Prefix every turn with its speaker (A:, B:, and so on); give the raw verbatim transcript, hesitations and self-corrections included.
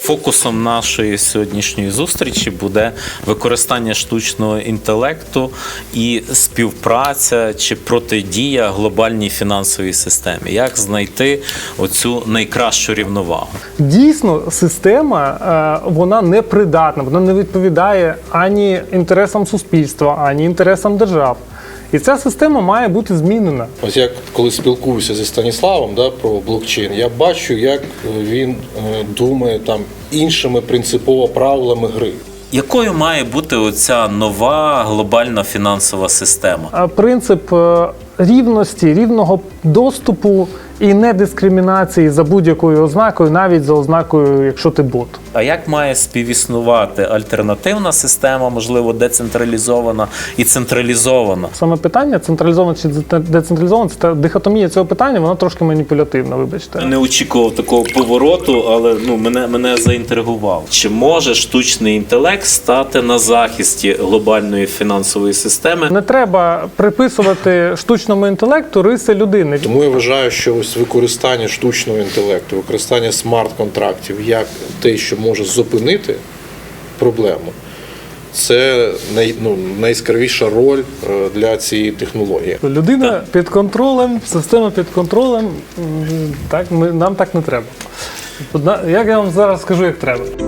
A: Фокусом нашої сьогоднішньої зустрічі буде використання штучного інтелекту і співпраця чи протидія глобальній фінансовій системі. Як знайти оцю найкращу рівновагу?
B: Дійсно, система, вона непридатна, вона не відповідає ані інтересам суспільства, ані інтересам держав. І ця система має бути змінена.
C: Ось як коли спілкуюся зі Станіславом, да, про блокчейн, я бачу, як він е, думає там іншими принципово правилами гри.
A: Якою має бути оця нова глобальна фінансова система?
B: А принцип е, рівності, рівного доступу і недискримінації за будь-якою ознакою, навіть за ознакою, якщо ти бот.
A: А як має співіснувати альтернативна система, можливо, децентралізована і централізована?
B: Саме питання централізовано чи децентралізовано, це дихотомія цього питання, вона трошки маніпулятивна, вибачте.
A: Не очікував такого повороту, але ну, мене, мене заінтригував. Чи може штучний інтелект стати на захисті глобальної фінансової системи?
B: Не треба приписувати штучному інтелекту риси людини.
C: Тому я вважаю, що ось використання штучного інтелекту, використання смарт-контрактів як те, що може зупинити проблему, це най, ну, найяскравіша роль для цієї технології.
B: Людина так. Під контролем, система під контролем, так, ми, нам так не треба. Як я вам зараз скажу, як треба.